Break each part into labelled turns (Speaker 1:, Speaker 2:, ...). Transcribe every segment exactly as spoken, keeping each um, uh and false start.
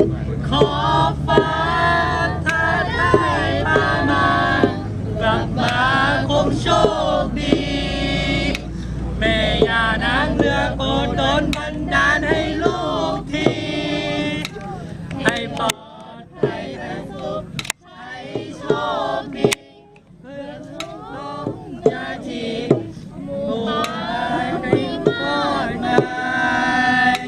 Speaker 1: ขอฟ้าถ้าได้พามากลับมาคงโชคดีแม่ย่านางเรือโปรดดลบันดาลให้ลูกทีให้ปลอดภัยและสุขให้โชคดีเพื่อนน้องยาทีบัวให้พ่อนาย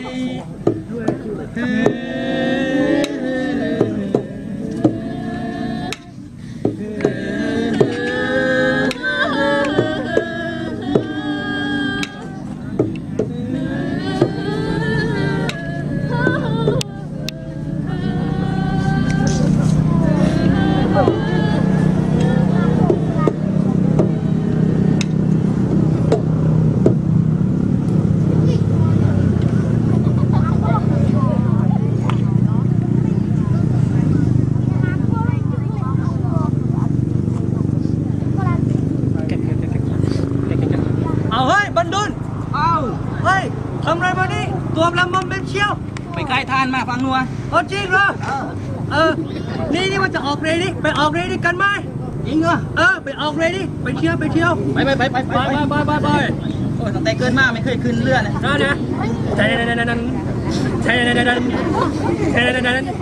Speaker 1: เอาเฮ้ยบรรดุลเอาเฮ้ยทำอะไรมานี่ตัวลำมอมเป็นเชี่ยวไปไกลทานมาฟังนัวเอาจริงเหรอเออนี่นี่มันจะออกเรดี้ไปออกเรดี้กันไหมจริงเหรอเออไปออกเรดี้ไปเที่ยวไปเที่ยวไปไปไปไปไปไปไปไปโอ้ยตั้งแต่เกินมาไม่เคยขึ้นเรือนะนั่นนะใช่นั่นนั่นนั่นใช่นั่นนั่นนั่นใช่นั่นนั่น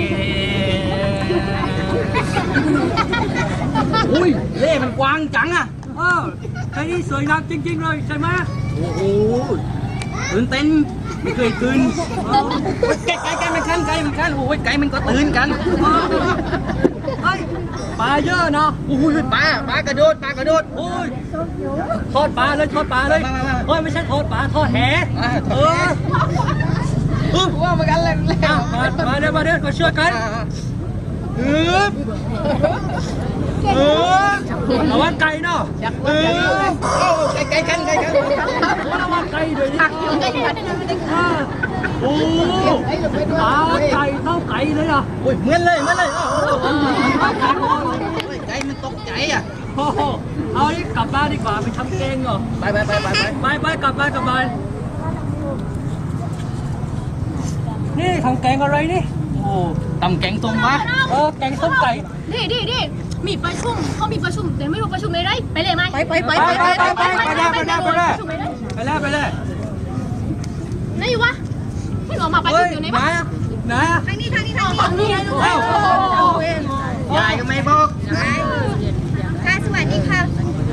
Speaker 1: อุ้ยเล่มันกว้างจังอ่ะเออไอ้นี่สวยงามจริงๆเลยใช่ไหมโอ้โหตื่นเต้นไม่เคยขึ้นไก่ไก่ไก่มันขั้นไก่มันขั้นโอ้ยไก่มันก็ตื่นกันเฮ้ยปลาเยอะเนาะโอ้ยปลาปลากระโดดปลากระโดดโอ้ยทอดปลาเลยทอดปลาเลยโอ้ยไม่ใช่ทอดปลาทอดแหเออว่ามากันเลยมาเดี๋ยวมาเดี๋ยวมาช่วยกันเออเออระวังไก่เนาะเออไก่ไก่กันไก่กันระวังไก่ด้วยนี่โอ้ตาไก่เท่าไก่เลยอ่ะโอ้ยเหมือนเลยเหมือนเลยไก่มันตกใจอ่ะเอาดิกลับบ้านดีกว่าไปทำเกงเหรอไปไปไปไปไปไปกลับบ้านกลับบ้านนี่ทำแกงอะไรนี่โอ้ตำแกงส้มวะเออแกงส้มไก่
Speaker 2: ดิดิดิมีประชุมเขามีประชุมแต่ไม่รู้ประชุมอะไรไปเลยไหมไปไปไป
Speaker 1: ไปไปไปไปไปเลยไปเลยไปเลยไปเลยไปเลย
Speaker 2: ไหนวะที่ออกมาประชุมอยู่ไหนบ้าง
Speaker 1: ไหน
Speaker 2: ทางนี้ทางนี้ทางนี้
Speaker 1: ยายก็ไม่บอก
Speaker 2: ค่ะสวัสดีค่ะ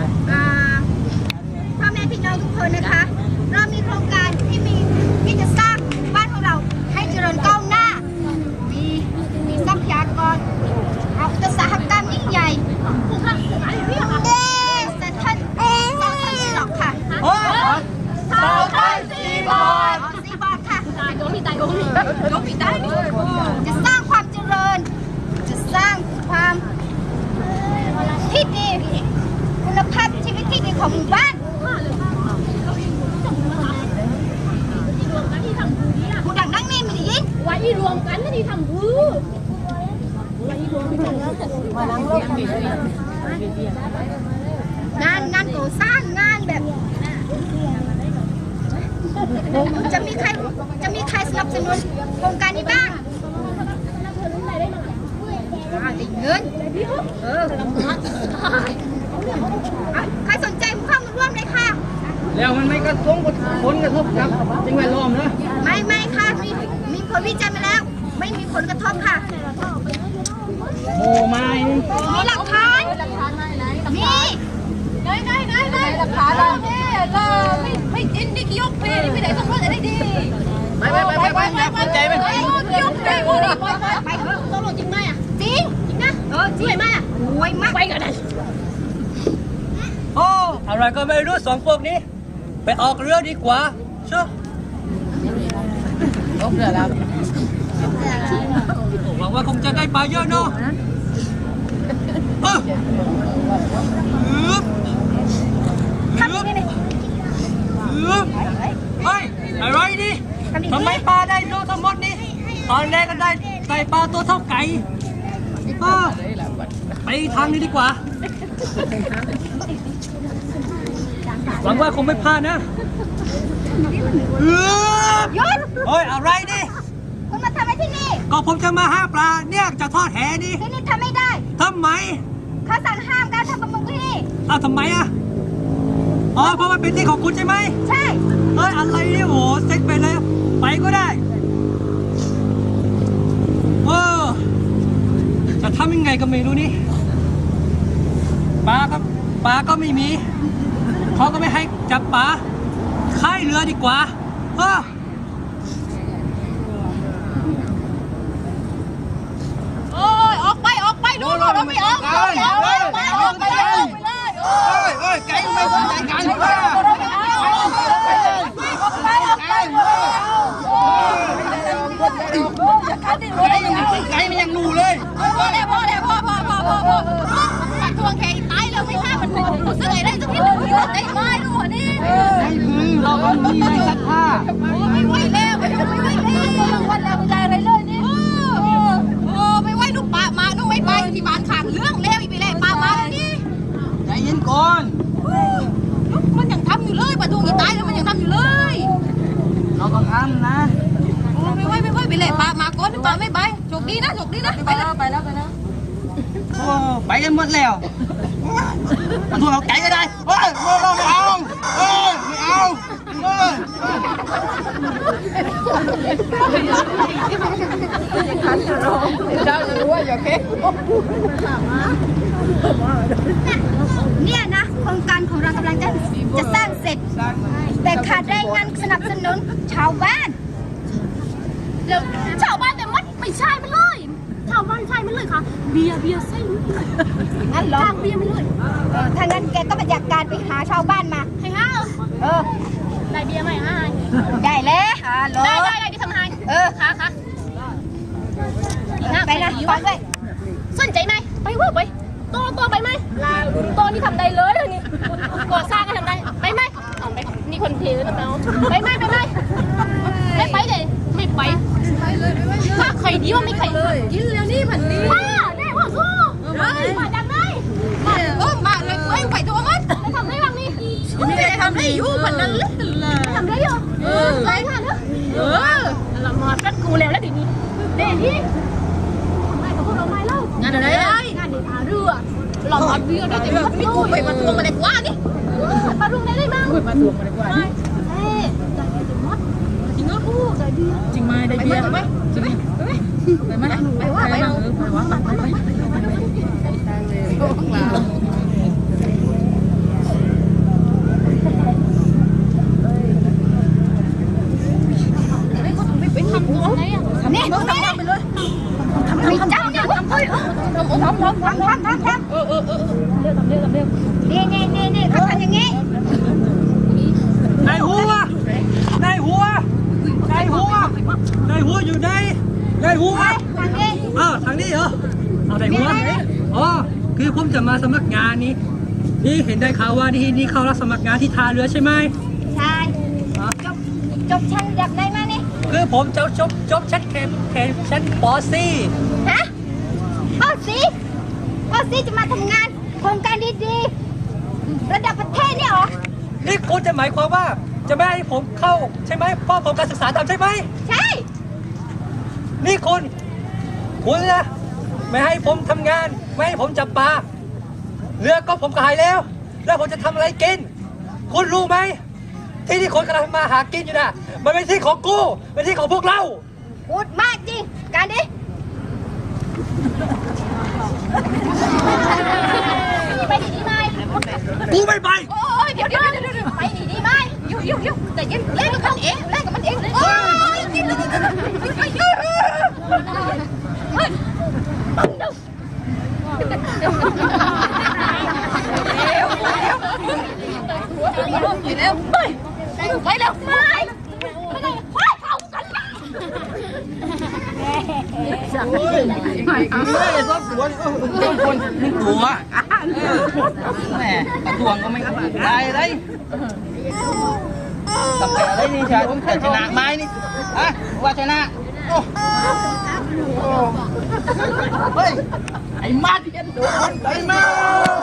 Speaker 2: พ่อแม่พี่น้องทุกคนนะคะเรามีโครงการที่มีที่จะสร้างบ้านของเราให้เจริญก้าวหน้ามีมีทรัพยากรเอาอุตสาหกรรมยิ่งใหญ่ผูกพันเรียกว่าเอ๊ะแต่ท่านเอ๊ะท่านสีหลอกค่ะ
Speaker 1: โอ้สาวไทยสีบอล
Speaker 2: สีบอลค่ะตายโดนพี่ตายโดนพี่โดนพี่ตายจะสร้างความเจริญจะสร้างความที่ดีคุณภาพชีวิตที่ดีของหมู่บ้านผู้ดังนั่งนี่ไม่ได้ยินไว้รวมกันที่ทำพื้นงานงานก่อสร้างงานแบบจะมีใครจะมีใครสนับสนุนโครงการนี้บ้างได้เงินเออใครสนใจเข้ามาร่วมเลยค่ะ
Speaker 1: แล้วมันไม่กระทบผลกระทบกับสิ่งแวดล้อมนะ
Speaker 2: ไม่ไม่ค่ะมีมีผลวิจัยมาแล้วไม่มีผลกระทบค่ะ
Speaker 1: โอ้ไม่
Speaker 2: มีหลักฐานมีได้ได้ได้ได้หลักฐานเราเนี่ยเราไม่ไม่จินนี่กี่ยกเพลนี่ไม่ได้ต้องรอดอะไรดี
Speaker 1: ไปไปไปไปไปไปใจไป
Speaker 2: กี่ยกเพลกูดิไปไปไปต้องรอดจริงไหมอ่ะจริงจริงนะเออจริงไหมอ่ะรวยมากไปกันเลย
Speaker 1: โอ้อะไรก็ไม่รู้สองพวกนี้ไปออกเรือดีกว่าเชื่อออกเรือแล้วหวังว่าคงจะได้ปลาเยอะเนาะเออ
Speaker 2: ทำยังไงเนี่ย
Speaker 1: เฮ้ยอะไรนี่ทำไมปลาได้ตัวทั้งหมดนี่ตอนแรกก็ได้ไก่ปลาตัวเท่าไก่ไปทางนี้ดีกว่าหวังว่าคงไม่พลาดนะ
Speaker 2: หยุด
Speaker 1: เฮ้ยอะไรนี่
Speaker 2: คุณมาทำอะไรที่นี่
Speaker 1: ก็ก็ผมจะมาหาปลาเนี่ยจะทอดแหนี่
Speaker 2: ที่นี่ทำไม่ได้
Speaker 1: ทำไม
Speaker 2: เขาสั่งห้ามการทำประมงที่นี่
Speaker 1: อ้าวทำไมอ่ะอ๋อเพราะว่าเป็นที่ของคุณใช่ไหม
Speaker 2: ใช่
Speaker 1: เฮ้ยอะไรเนี่ยโหเซ็กไปเลยไปก็ได้เออจะทำยังไงก็ไม่รู้นี่ปลาก็ปลาก็ไม่มีเขาก็ไม่ให้จับปลาค่ายเรือดีกว่าเออ
Speaker 2: โอ้ยออกไปออกไปดูดูเราไม่ออกออกไปออกไปออกไปออกไปเลย
Speaker 1: เอ้ยเอ้ยไก่ไม่สนใจกันเลย ไก่มันยังงูเลย
Speaker 2: พอแล้วพอแล้วพอพอพอพอพอมันทวงแข่งตายแล้วไม่ฆ่ามันกูซื้อไอ้ได้สักทีมันได้ไม้ดูนี่
Speaker 1: ไอ้มือเราก็มีในสักผ้า
Speaker 2: ไม่ไหวแล้วไม่ไหวแล้ววันแล้วไม่ได้อะไรเลยนี่โอ้ไม่ไหวลูกปลามาลูกไม่ไปที่บ้านข้างเรื่องแล้วอีไปเลยปลามาแล้วนี่
Speaker 1: ใจเย็นก่อน
Speaker 2: มันยังทำอยู่เลยปลาทูอีตายแล้วมันยังทำอยู่เลย
Speaker 1: เราก็ทำนะ
Speaker 2: โอ้ไม่ไหวไม่ไหวไปเลยปลามาก่อนปลาไม่ไปโชคดีนะโชคดีนะไปแล้วไปแล้วไปแล้ว
Speaker 1: โอ้ไปกันหมดแล้วมันทวงเอาไก่ก็ได้เฮ้ยเราไม่เอาเฮ้ยไม่เอาเฮ้ย เนี่ยนะโครงการของเรากำลังจะจะสร้างเสร็จ แต่ขาดแรงงานสนับสนุนชาวบ้านแล้วชาวบ้านแต่มัดไม่ใช่มันเลยชาวบ้านใช่มันเลยค่ะเบียร์เบียร์ใช่เลยงั้นเหรอเบียร์มันเลยเออถ้างั้นแกต้องมาจัดการไปหาชาวบ้านมาให้ห้าเออได้เบียร์ไหมห้าได้แล้วได้ได้ได้ที่ทำให้เออค่ะค่ะไปนะไปด้วยสนใจไหมไปว่าไปตัวตัวไปไหมตัวนี่ทำได้เลยนี่ก่อสร้างก็ทำได้ไปไหมเอาไปนี่คนเทแล้วเนาะไปไหมไปไหมไม่ไปเลยไม่ไปไปเลยไปเลยถ้าใครดีว่าไม่ใครเลยกินแล้วนี่ผันนี้มาแน่ว่าสู้มาจังเลยมาเออมาเลยไปไปตัวมันไปทำได้บ้างนี่ไม่ได้ทำได้อยู่ผันนั้นเลยทำได้อยู่เออไปค่ะเนอะเออเรามาจัดกูแล้วแล้วทีนี้เดี๋ยวนี้ทำไมกับพวกเราไม่เล่างานอะไรงานเด็ดหาเรือเรามาเรือได้แต่ไม่กูไปมาทวงมาเด็กว่านี่มาทวงได้ได้บ้างมาทวงมาเด็กว่านี่เอ๊ะได้แต่มดจริงเหรอพูดได้เบียร์จริงไหมได้เบียร์ไปไหมจริงไปไหมไปว่าไปว่าไปว่าไปไปไปทำตัวไหนอ่ะนี่ทำไปเลยทำไม่จังเนี่ยทำเลยทำทำทำทำทำทำทำเออเออเออเร็วทำเร็วทำเร็วนี่นี่นี่นี่เขาทำอย่างงี้นายหัวนายหัวนายหัวนายหัวอยู่ไหนนายหัวทางนี้อ้าวทางนี้เหรอเอานายหัวอ๋อคือผมจะมาสมัครงานนี้นี่เห็นได้ข่าวว่านี่นี่เขารับสมัครงานที่ท่าเรือใช่ไหมใช่จบจบชั้นดับได้มานี่คือผมจะจบจบชั้นแค่แค่ชั้นป .สี่ ฮะป .สี่ ป .สี่ จะมาทำงานโครงการดีๆระดับประเทศนี่หรอนี่คุณจะหมายความว่าจะไม่ให้ผมเข้าใช่ไหมเพราะผมการศึกษาต่ำใช่ไหมใช่นี่คุณคุณนะไม่ให้ผมทำงานไม่ให้ผมจับปลาเรือก็ผมขายแล้วแล้วผมจะทำอะไรกินคุณรู้ไหมที่ที่คนกำลังมาหากินอยู่นะมันเป็นที่ของกูเป็นที่ของพวกเราพูดมากจริงการดิไปดีดีไหมกูไม่ไปโอ้ยเดี๋ยวเดี๋ยวเดี๋ยวไปดีดีไหมยุ่งยุ่งยุ่งแต่ยังเล่นกับมันเองเล่นกับมันเองโอ้ยกินเลยไปยุ่งเฮ้ยไปแล้วไปไปแล้วไปไปไหนไปเข้ากันละสั่งเลยไม่ชอบตัวนี่คนนี่ตัวแหมตวงก็ไม่ได้เลยทำอะไรนี่ชายแต่ชนะไม้นี่อะว่าชนะโอ้เฮ้ยไอ้มาดไอ้มาด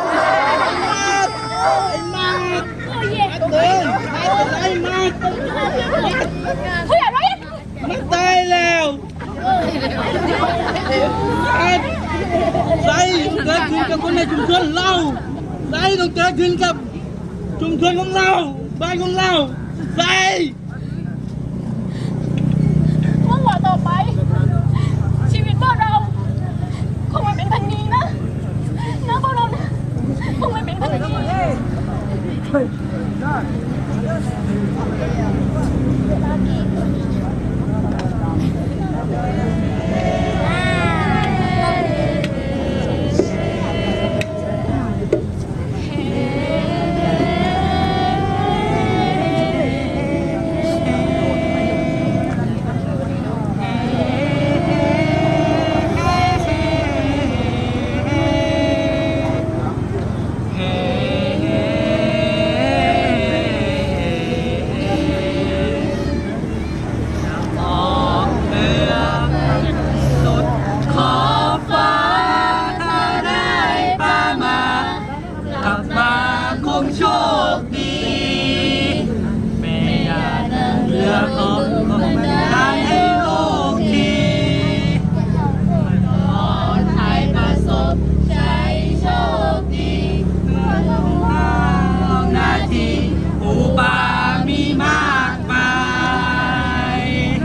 Speaker 1: ไอ้มาดเฮ้ยไอ้มาดเฮ้ยอะไรมันตายแล้วใส่เกิดขึ้นกับคนในชุมชนเราใส่ต้องเกิดขึ้นกับชุมชนของเราบ้านของเราใส่
Speaker 3: เมื่อวันต่อไป ชีวิตพวกเราคงไม่เป็นพันนี้นะนะพวกเรานะคงไม่เป็นพันนี้
Speaker 1: โชคดีแม่ยาเรือของทางให้โลกทีปลอดภัยประสบใจโชคดีหน้าที่ปูปลามีมากมาย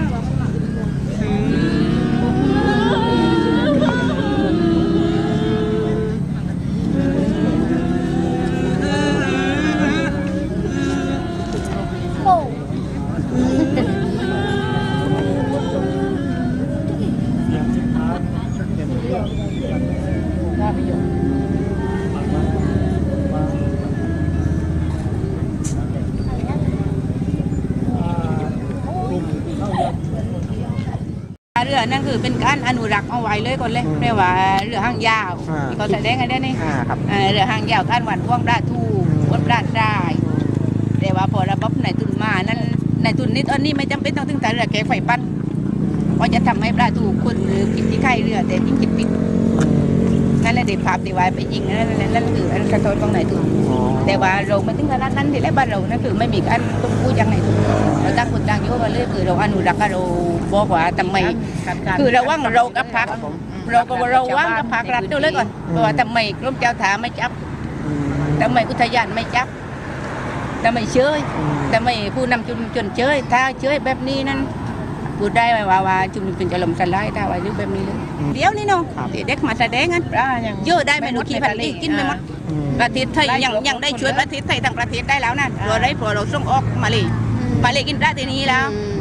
Speaker 4: เรือนั่นคือเป็นการอนุรักษ์เอาไว้เลยก่อนเลยเรียกว่าเรือหางยาวที่เขาแสดงกันได้นี่เรือหางยาวการหวานพ่วงปลาทูวนปลาได้แต่ว่าพอระบบในทุนมานั้นในทุนนี้ตอนนี้ไม่จำเป็นต้องถึงแต่เรือแกไฟปั้นเพราะจะทำให้ปลาทูคนหรือกินที่ไข่เรือแต่ยิ่งกินปิดนั่นแหละเด็กภาพดีไว้ไปยิงนั่นนั่นนั่นคืออันกระโดดของในทุนแต่ว่าเราไม่ถึงขนาดนั้นที่แรกบ้านเรานั่นคือไม่มีการต้องพูดอย่างไหนทุนเราตั้งคนตั้งโยมาเลยคือเราอนุรักษ์เราบอกว่าทำไมคือเราว่างเรากับพักเราก็เราว่างกับพักรัฐเดียวเลยก่อนเพราะว่าทำไมกรมเจ้าถาไม่จับทำไมอุทยานไม่จับทำไมเชยทำไมผู้นำชุมชนเชยถ้าเชยแบบนี้นั้นพูดได้ไหมว่าว่าชุมชนจะลมสลายถ้าว่าเรื่องแบบนี้เลยเดี๋ยวนี้น้องเด็กมาแสดงกันเยอะได้ไม่รู้กี่พันกี่กินไปหมดประเทศไทยยังยังได้ช่วยประเทศไทยทั้งประเทศได้แล้วนะเราได้พอเราส่งออกมาเลยมาเลยกินปลาที่นี้แล้ว